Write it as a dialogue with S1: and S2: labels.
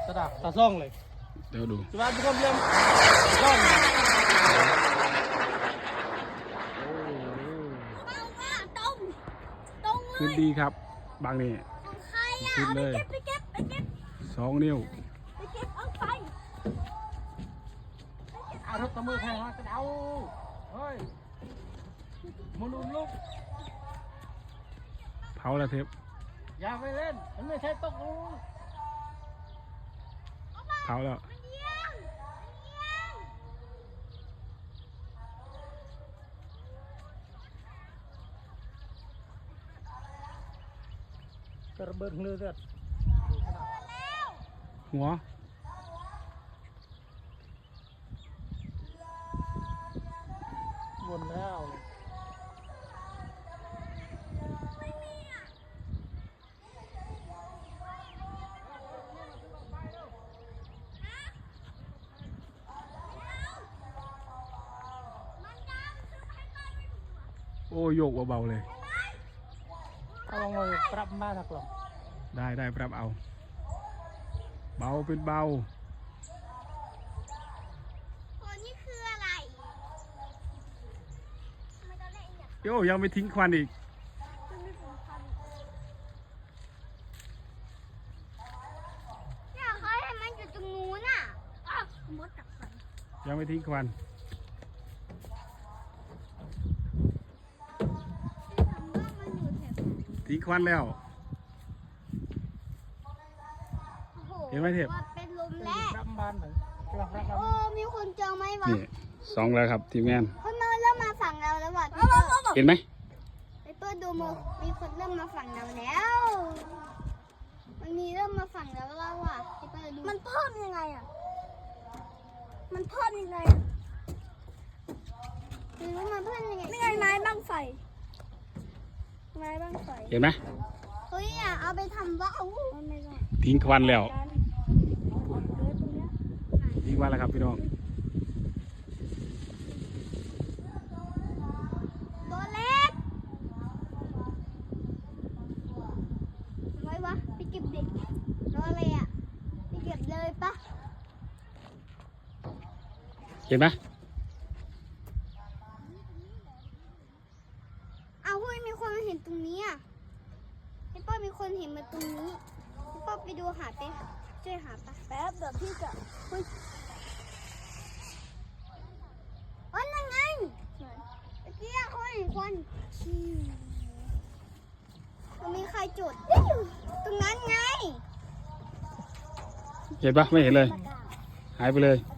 S1: ตาซ่องเลย
S2: เดี๋ยวดู
S1: จุฬาทุกคนเรียนซ่อง
S2: ขึ้นดีครับบางนี่ขึ้นเลย2 นิ้ว
S1: รถตะมือแพงกระเดาเฮ้ยมนุษย์ลูก
S2: เผาแล้วเทป
S1: อย่าไปเล่นมันไม่ใช่ตกลูก
S2: เผาแล้ว
S1: กระเบิดเลือด
S2: หัว
S1: วนแล้ว
S2: โอ้โยกเบาๆเลย
S1: เอาลงเลยปรับมาถักหรอ
S2: ได้ปรับเอาเบาเป็นเบา
S3: นี่คืออะไร
S2: โย่ยังไม่ทิ้งควันอีก
S3: เนี่ยเขาให้มันอยู่ตรงนู้นอ่ะมดกับฟัน
S2: ยังไม่ทิ้งควันทิ้งควันแล้วเห็นไหมเทพ
S3: เป็นลมแล้ว
S1: ปรับบ้านเหมือน
S3: โอ้มีคนเจอไหมวะ
S2: นี่2แล้วครับทีมงาน
S3: คนมาเริ่มมาฝั่งเราแล้วว่ะ
S2: เห็นไหม
S3: ไปเปิดดูมีคนเริ่มมาฝั่งเราแล้วมันมีเริ่มมาฝั่งเราแล้วว่ะไปเปิดดูมันเพิ่มยังไงอ่ะมันเพิ่มยังไงหรือว่ามันเพิ่มยังไงไม่ไงไม้บ้างไฟไม้บ้างไฟ
S2: เห็นไหม
S3: เฮ้ยอ่ะเอาไปทำว่าวไม่ได้
S2: ทิ้งควันแล้วทิ้งควันแล้วครับพี่น้อง
S3: ตัวเล็กไว้วะไปเก็บเด็กรออะไรอ่ะไปเก็บเลยปะ
S2: เห็นไหม
S3: เอาเฮ้ยมีคนมาเห็นตรงนี้อ่ะพี่ป้ามีคนเห็นมาตรงนี้พี่ป้าไปดูหาไปช่วยหาปะแป๊บเดี๋ยวพี่จะเฮ้ยอ๋อนั่นไงเมื่อกี้เขาเห็นควันมันมีใครจุดตรงนั้นไง
S2: เห็นปะไม่เห็นเลยหายไปเลย